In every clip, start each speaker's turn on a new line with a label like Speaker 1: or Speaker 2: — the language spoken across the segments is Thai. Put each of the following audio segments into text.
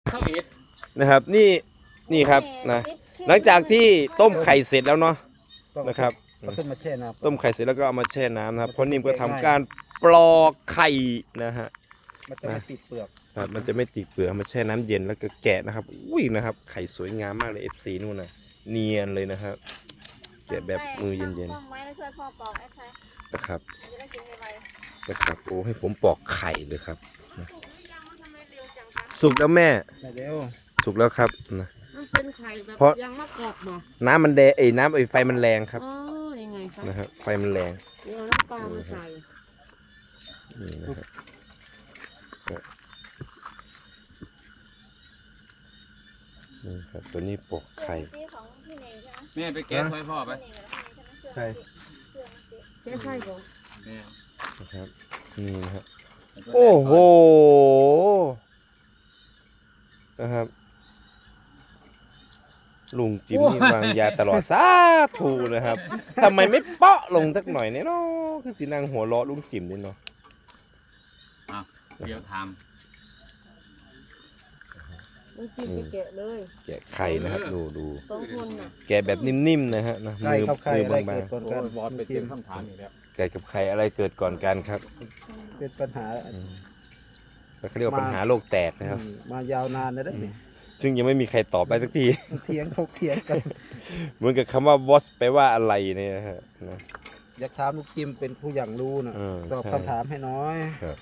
Speaker 1: นะครับนี่ครับนะหลังจากที่ต้มไข่เสร็จแล้วเนาะนะครับ
Speaker 2: ขึ้นมาแช่น้ำ
Speaker 1: ต้มไข่เสร็จแล้วก็เอามาแช่น้ำนะครับเพราะนิ่มก็ทำการปลอกไข่นะฮะ
Speaker 2: มันจะไม่ติดเปลือก
Speaker 1: ครับมันจะไม่ติดเปลือกมาแช่น้ำเย็นแล้วก็แกะนะครับอุ้ยนะครับไข่สวยงามมากเลย FC นู่นนะเนียนเลยนะครับแกะแบบมือเย็นๆนะครับนะครับโอ้ให้ผมปอกไข่เลยครับสุกแล้วแม่
Speaker 2: ไม่เร็ว
Speaker 1: สุกแล้วครับนะ
Speaker 3: มันเป็นไข่แบบ
Speaker 1: เพราะ
Speaker 3: ยังมะกอกบ่
Speaker 1: น้ำมันแดงน้ำไฟมันแรงครับ
Speaker 3: อ๋อยังไงคะ
Speaker 1: นะครับไฟมันแรง
Speaker 3: เดี๋ยวน้ำปลามาใส่
Speaker 1: นี่นะครับนี่ครับตัวนี้ปอกไข่
Speaker 4: แม่ไปแกะถ้วยพ่อไป
Speaker 1: ไข่
Speaker 3: เจ๊ไข่บ่
Speaker 4: แม่
Speaker 1: นะครับนี่นะครับโอ้โหนะครับลุงจิมนี่วางยาตลอดสาธุนะครับทำไมไม่เปาะลงสักหน่อยเนี่ยเนาะคือสีนางหัวเราะลุงจิมนี่เนาะ
Speaker 4: เดี๋ยวท
Speaker 3: ต้องกินไปแกะเลย
Speaker 1: แกะไข่นะครับดู
Speaker 3: สองคนน่ะ
Speaker 1: แกะแบบนิ่มๆนะฮะนะ
Speaker 2: ไข่กับไข่อะไร
Speaker 1: บา
Speaker 2: เกิ
Speaker 1: ง
Speaker 2: ดก่อน
Speaker 4: ำ
Speaker 2: กัน
Speaker 4: บอลไปเตรียมคำถามอีกแล้ว
Speaker 1: ๆไก่กับไข่อะไรเกิดก่อนกันครับ
Speaker 2: เป็นปัญหา
Speaker 1: แล้วเขาเรียกว่าปัญหาโลกแตกนะครับ
Speaker 2: มายาวนานเลยนะเนี่ย
Speaker 1: ซึ่งยังไม่มีใครตอบได้สักที
Speaker 2: เถียงถกเถียงกัน
Speaker 1: เหมือนกับคำว่า what แปลว่าอะไรเนี่ยนะฮะนะ
Speaker 2: อยากถามลูกจิมเป็นผู้อย่างรู้นะ ตอบ
Speaker 1: ใช่
Speaker 2: คำถามให้น้อย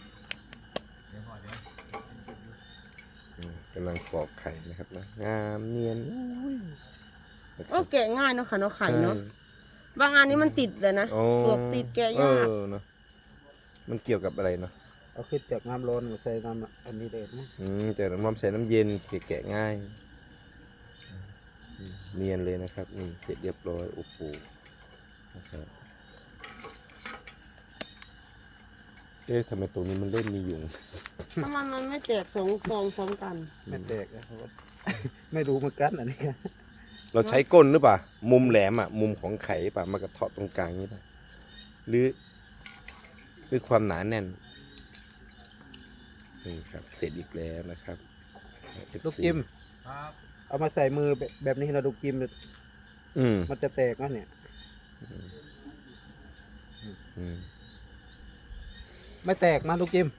Speaker 1: กำลังปอกไข่นะครับนะงามเนียนอุ้ยนะค
Speaker 3: โอ้
Speaker 1: รับ
Speaker 3: แกะง่ายเนาะค่ะเนาะไข่เนาะบางอันนี้มันติดเลยนะ
Speaker 1: โอ้
Speaker 3: เปลือกติดแกะยาก
Speaker 1: เนาะมันเกี่ยวกับอะไรเนาะ
Speaker 2: เอาขึ้นจากน้ำร้อนมาใส่น้ำอันนี้เลยนะ
Speaker 1: แต่น้ำมันใส่น้ำเย็นแกะง่ายเนียนเลยนะครับนี่เสร็จเรียบร้อยโอ้โหนะครับทำไมตรงนี้มันเล่นมียุง
Speaker 3: ทำไมมันไม่แตกสองฟองพร้อมกัน
Speaker 2: ไม่แตกนะครับ ไม่รู้เหมือนกันอันนี้
Speaker 1: เราใช้ก้นหรือเปล่ามุมแหลมอ่ะมุมของไข่ป่ะมากระเทาะตรงกลางนี่ป่ะหรือความหนาแน่นนี่ครับเสร็จอีกแล้วนะครับ
Speaker 2: ลูกจิม
Speaker 4: ครับ
Speaker 2: เอามาใส่มือแบบนี้นะลูกจิม
Speaker 1: อืม
Speaker 2: มันจะแตกนะเนี่ย
Speaker 1: อืม
Speaker 2: ไม่แตกมาลูกจิม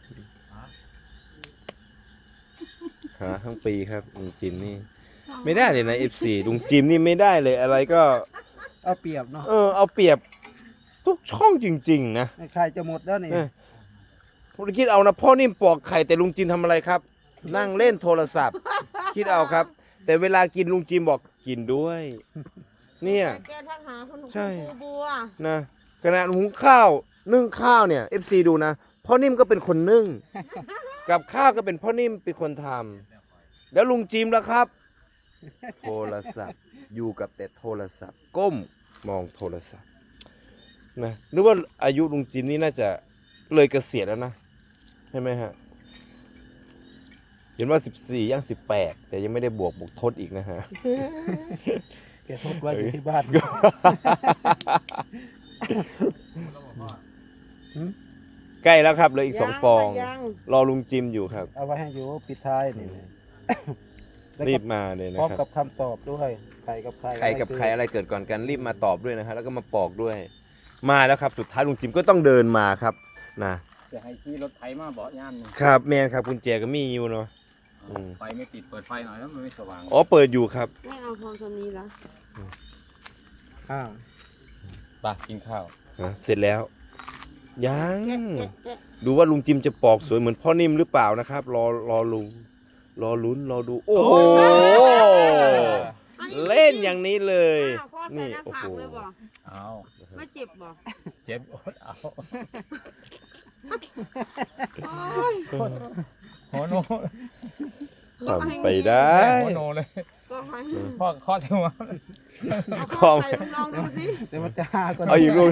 Speaker 1: หาทั้งปีครับลุงจิมนี่ไม่ได้เลยนะ F4 ลุงจิมนี่ไม่ได้เลยอะไรก็
Speaker 2: เอาเปรียบเนาะ
Speaker 1: เอาเปรียบทุกช่องจริงๆนะ
Speaker 2: ไข่จะหมดแล้วนี่
Speaker 1: ผมคิดเอานะพ่อนิ่มปอกไข่แต่ลุงจิมทำอะไรครับ นั่งเล่นโทรศัพท์ คิดเอาครับ แต่เวลากินลุงจิมบอกกินด้วย เนี่ย
Speaker 3: แต่แกทักหาคุณ
Speaker 1: ใช่
Speaker 3: ครูบัว
Speaker 1: นะขณะหุงข้าวนึ่งข้าวเนี่ย FC ดูนะพ่อนิ่มก็เป็นคนนึ่ง กับข้าวก็เป็นพ่อนิ่มเป็นคนทำแล้วลุงจิมล่ะครับ โทรศัพท์อยู่กับแต่โทรศัพท์ ก้มมองโทรศัพท์นะนึกว่าอายุลุงจิมนี่น่าจะเลยเกษียณแล้วนะใช่ไหมฮะเห็นว่า14ย่าง18แต่ยังไม่ได้บวกทดอีกนะฮะ
Speaker 2: แกทดไว้อยู่ที่บ้าน
Speaker 1: ใกล้แล้วครับเหลืออีก2 ฟอง
Speaker 3: ยัง
Speaker 1: รอลุงจิมอยู่ครับ
Speaker 2: เอาไว้ให้อยู่ปิดท้ายนี่แล้ว
Speaker 1: รี
Speaker 2: ก็
Speaker 1: บมาเลยนะ
Speaker 2: พร้อม
Speaker 1: ค
Speaker 2: กั
Speaker 1: รั
Speaker 2: บบ คำตอบด้วยไข่กับไข่
Speaker 1: ใครกับใครอะไรเกิดก่อนกันรีบมาตอบด้วยนะฮะแล้วก็มาปอกด้วย มาแล้วครับสุดท้ายลุงจิมก็ต้องเดินมาครับนะ
Speaker 4: จะให้ขี่รถไถมาเบาะย่ามหนึง
Speaker 1: ครับแมนครับกุญแจก็มีอยู่เนาะ
Speaker 4: ไฟไม่ติดเปิดไฟหน่อยแล้วมันไม่สว่าง
Speaker 1: อ๋อเปิดอยู่ครับ
Speaker 3: ไม่เอาพองสามีละ
Speaker 2: อ้าว
Speaker 4: ไปกินข้าว
Speaker 1: เสร็จแล้วยัง
Speaker 3: แกะ
Speaker 1: ดูว่าลุงจิมจะปอกสวยเหมือนพ่อนิ่มหรือเปล่านะครับ รอลุงรอลุ้นรอดูโอ้โหเล่นอย่างนี้เลย
Speaker 3: อ้าวพ่อใส่หน้า
Speaker 1: โอ้
Speaker 3: ผา
Speaker 1: โห
Speaker 3: กเลยบ่
Speaker 4: เอา
Speaker 3: ไม่เจ็บบ่
Speaker 4: เจ็บอดเอา
Speaker 3: โอ้ย
Speaker 4: โหโน
Speaker 1: ทำไปได้
Speaker 4: โหโนเลย
Speaker 3: ก็ให้
Speaker 4: พ่อข้อเสียว
Speaker 3: เอาพ่อใส่ลองดูสิ
Speaker 2: เดี๋ยวมันจะหาก่อน
Speaker 1: เอาอีกลูก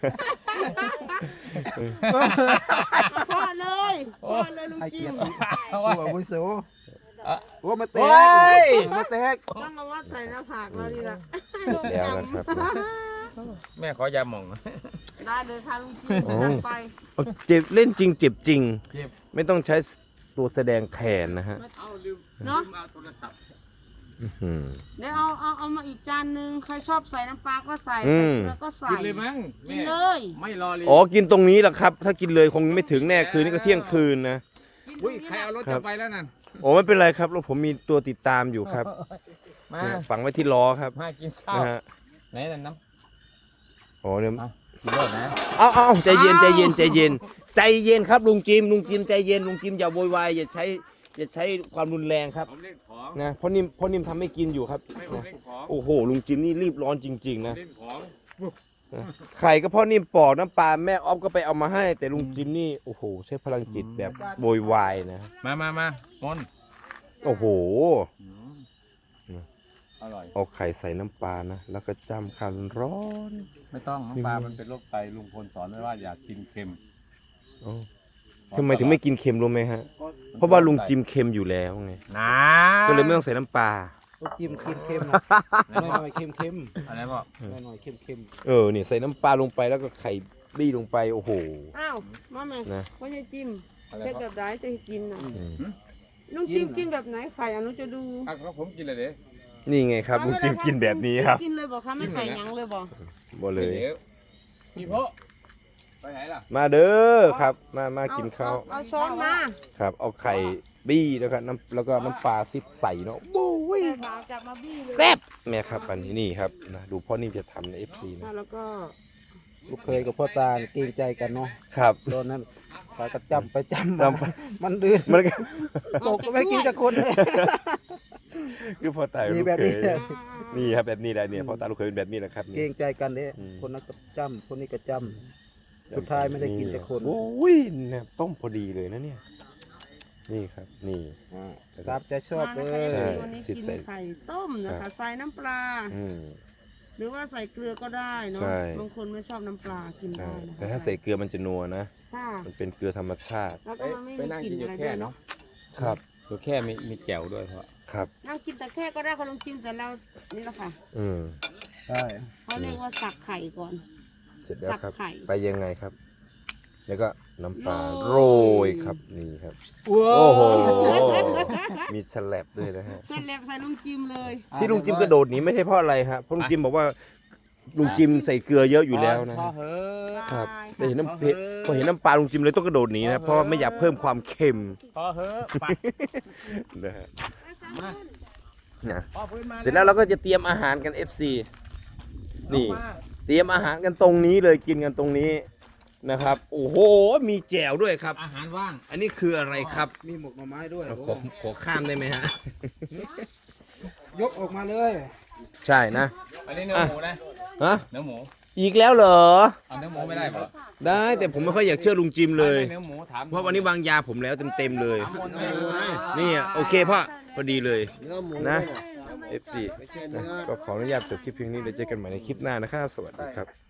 Speaker 3: พ่อเลยลุง
Speaker 2: ให้
Speaker 3: จิ
Speaker 2: เกียร
Speaker 3: ม
Speaker 2: ติผู้อาวุโสโอ้มาแต
Speaker 4: โอ้
Speaker 2: ก
Speaker 4: ย
Speaker 2: มาแตก
Speaker 3: ต้องเอาว่าใส่หน้าผากเราดีละ
Speaker 1: เสร็จแล้วนะครับ
Speaker 4: แม่ขอยาหม่อง
Speaker 3: ได้เลยค่ะลุงจิมจัดไป
Speaker 1: เจ็บเล่นจริงเจ็บจริง
Speaker 4: เจ็บ
Speaker 1: ไม่ต้องใช้ตัวแสดงแทนนะฮะ
Speaker 3: ไม่เอาลืมเนาะ
Speaker 4: เอาโทรศัพท์
Speaker 1: อืม
Speaker 3: เดี๋ยวเอามาอีกจานนึงใครชอบใส่น้ำปลาก็ใส่
Speaker 1: อื
Speaker 3: ใส่
Speaker 1: ม
Speaker 3: เกลือก็ใส่
Speaker 4: กินเลยมั้ง
Speaker 3: กิ
Speaker 4: แม่
Speaker 3: นเลย
Speaker 4: ไม่รอเลย
Speaker 1: อ๋อกินตรงนี้แหละครับ ถ้ากินเลยคงไม่ถึงแน่คืนนี้ก็เที่ยงคืนนะ
Speaker 3: กินตร
Speaker 4: อุ้
Speaker 3: ง
Speaker 4: ย
Speaker 3: นี้
Speaker 4: ใคร
Speaker 3: แหละ
Speaker 4: เอารถ
Speaker 1: ครั
Speaker 4: จะ
Speaker 1: บ
Speaker 4: ไปแล้วนั่น
Speaker 1: โอ้ไม่เป็นไรครับรถผมมีตัวติดตามอยู่ครับ
Speaker 4: มา
Speaker 1: เนี่ยฝังไว้ที่ล้อครับ
Speaker 4: มากินข้าว
Speaker 1: นะฮะ
Speaker 4: ไหนนั่นน้
Speaker 1: โอ้เนี่ย
Speaker 4: ำกินรถนะ
Speaker 1: เอาใจเย็นใจเย็นใจเย็นใจเย็นครับลุงจิมใจเย็นลุงจิมอย่าโวยวายอย่าใช้ความรุนแรงครับ
Speaker 4: ผมเล่นของ
Speaker 1: นะเพราะนิ่มทำไม่กินอยู่ครับ
Speaker 4: ไม่ผมเล่นของ
Speaker 1: โอ้โหลุงจิมนี่รีบร้อนจริงๆนะ
Speaker 4: เล่นของ
Speaker 1: ไข่ก็พ่อนิ่มปอกน้ำปลาแม่ออฟก็ไปเอามาให้ แต่ลุงจิมนี่โอ้โหใช้พลังจิตแบบโวยวายนะ
Speaker 4: มามน
Speaker 1: โอ้โห
Speaker 4: อร่อย
Speaker 1: เอาไข่ใส่น้ำปลานะแล้วก็จ้ำคันร้อน
Speaker 4: ไม่ต้องน้ำปลามันเป็นโรคไตลุงพลสอนไว้ว่าอย่ากินเค็ม
Speaker 1: อ๋อทำไมถึงไม่กินเค็มรู้ไหมฮะเพราะว่าลุงจิมเค็มอยู่แล้วไง
Speaker 4: นะ
Speaker 1: ก็เลยไม่ต้องใส่น้ำปลา
Speaker 2: ลูกจิ้มเค็มๆนะหน่อยๆเค็ม
Speaker 4: อะไรพ่อ
Speaker 2: ๆหน่อยๆเค็ม
Speaker 1: เนี่ยใส่น้ำปลาลงไปแล้วก็ไข่บี้ลงไปโอ้โห
Speaker 3: อ้าวมาแม่
Speaker 1: นะ
Speaker 3: ว่าจะจิ้ม
Speaker 4: อะไร
Speaker 3: เป็น
Speaker 4: พ่อ
Speaker 3: แบบไหนจะกินน่ะ
Speaker 1: อืม
Speaker 3: ลุงจิ้มกินแบบไหนไข่อนุจะดู
Speaker 4: อ่ะก็ผมกินเลยเด้
Speaker 1: นี่ไงครับลุงจิมกินแบบนี้ครับ
Speaker 3: กินเลยบอกคะไม่ใส่หยังเลยบอก
Speaker 1: บ่เลย
Speaker 4: พี่พ่อไปไหนล่ะ
Speaker 1: มาเด้อครับมากินข้าว
Speaker 3: เอาช้อนมา
Speaker 1: ครับเอาไข่บี้แล้วก็น้ำปลาซิดใส่เนาะโอ้ย
Speaker 3: แต่ขาวจับมาบี้เลย
Speaker 1: แซ่บแม่ครับอันนี้นี่ครับนะดูพ่อนิ่มจะทำใน FC นะ
Speaker 3: แล้วก็
Speaker 2: ๆลูกเคยกับพ่อตาเกรงใจกันเนาะ
Speaker 1: ครับ
Speaker 2: ตอนนั้นไปก็จำไปจำ
Speaker 1: จำ
Speaker 2: มามันดื้อ
Speaker 1: มันก็
Speaker 2: ตกก็ไม่ได้กินกับคนเลย
Speaker 1: คือพ่อตา
Speaker 2: มี
Speaker 1: ลูก
Speaker 2: แบบ
Speaker 1: เค
Speaker 2: นี้
Speaker 1: ยนี่ครับแบบนี้แหละเนี่ยพ่อตาลูกเคยเป็นแบบนี้แหละครับ
Speaker 2: เกร
Speaker 1: นี่
Speaker 2: งใจกันเนี่ย
Speaker 1: อืม
Speaker 2: คนนั้นก็จำคนนี้ก็จำสุดท้ายไม่ได้กินแต่คน
Speaker 1: โอ้ยเนี่ยต้มพอดีเลยนะเนี่ยนี่ครับนี่
Speaker 2: ตามใจชอบเล
Speaker 3: มานะคะ
Speaker 2: ย
Speaker 3: วันนี้
Speaker 1: ใช่
Speaker 3: กินไข่ต้มนะ
Speaker 1: ครั
Speaker 3: คะ
Speaker 1: บ
Speaker 3: ใส่น้ำปลา
Speaker 1: อืม
Speaker 3: หรือว่าใส่เกลือก็ได้เนาะ
Speaker 1: ใช่
Speaker 3: บางคนไม่ชอบน้ำปลากิน
Speaker 1: ใช่
Speaker 3: ได้นะคะ
Speaker 1: แต่ถ้าใส่เกลือมันจะนัวนะ
Speaker 3: ค่ะ
Speaker 1: มันเป็นเกลือธรรมชาติ
Speaker 3: แล้วก็มันไม่
Speaker 4: ไป
Speaker 3: มี
Speaker 4: นั่ง
Speaker 3: กลิ่น
Speaker 4: กินอยู่
Speaker 3: อะไร
Speaker 4: แค่
Speaker 3: ด้วย
Speaker 4: เนาะ
Speaker 3: เนาะ
Speaker 1: ครับ
Speaker 4: ตัวแค่มีแจ่วด้วยเพราะ
Speaker 1: ครับ
Speaker 3: นั่งกินแต่แค่ก็ได้ค่ะลองกินแต่เรานี่แหละค่ะ
Speaker 1: อืม
Speaker 2: ใช่
Speaker 3: เขาเรียกว่าสักไข่ก่อน
Speaker 1: เสร็จแล้วครับ
Speaker 3: สับไข่
Speaker 1: ไปยังไงครับ แล้วก็น้ำปลา
Speaker 3: โร
Speaker 1: โร
Speaker 3: ย
Speaker 1: ยครับนี่ครับ
Speaker 4: โอ้
Speaker 1: โอ้โหมีฉลับด้วยนะฮะ
Speaker 3: เส้นเล็บใส่ลุงจิมเลย
Speaker 1: ที่ลุงจิมกระโดดหนีไม่ใช่เพราะอะไรครับเพราะลุงจิมบอกว่าลุงจิมใส่เกลือเยอะอยู่แล้วนะ
Speaker 4: พอ
Speaker 1: ฮะ
Speaker 4: เหอะ
Speaker 1: ครับแต่เห็นน้ำพอเห็นน้ำปลาลุงจิมเลยต้องกระโดดหนีนะเพราะว่าไม่อยากเพิ่มความเค็ม
Speaker 4: พอเหอะไป
Speaker 1: นะฮะ
Speaker 4: มา
Speaker 1: นะ
Speaker 4: พอพื้นมา
Speaker 1: เสร็จแล้วเราก็จะเตรียมอาหารกัน FC นี่
Speaker 4: เอามา
Speaker 1: เตรียมอาหารกันตรงนี้เลยกินกันตรงนี้นะครับโอ้โหมีแจ่วด้วยครับ
Speaker 4: อาหารว่าง
Speaker 1: อันนี้คืออะไรครับ
Speaker 2: มีหมกหน่อไม้ด้วย
Speaker 1: ขอข้ามได้ไหมฮะ
Speaker 2: ยกออกมาเลย
Speaker 1: ใช่นะ
Speaker 4: อันนี้เนื้อหมูนะ
Speaker 1: ฮะ
Speaker 4: เนื้อหมู
Speaker 1: อีกแล้วเหรอ
Speaker 4: เอาเนื้อหมูไม่ได้เหรอ
Speaker 1: ได้แต่ผมไม่ค่อยอยากเชื่อลุงจิมเลย
Speaker 4: เนื้อหมูถาม
Speaker 1: เพราะวันนี้วางยาผมแล้วเต็มๆเลย
Speaker 4: ถามคนไม่รู้นะ
Speaker 1: นี่โอเคพ่อพอดีเลย
Speaker 2: เนื้อหมู
Speaker 1: นะ
Speaker 2: เนี่ย
Speaker 1: FC นะก็ขออนุญาตจบคลิปเพียงนี้เดี๋ยวเจอกันใหม่ในคลิปหน้านะครับ สวัสดีครับ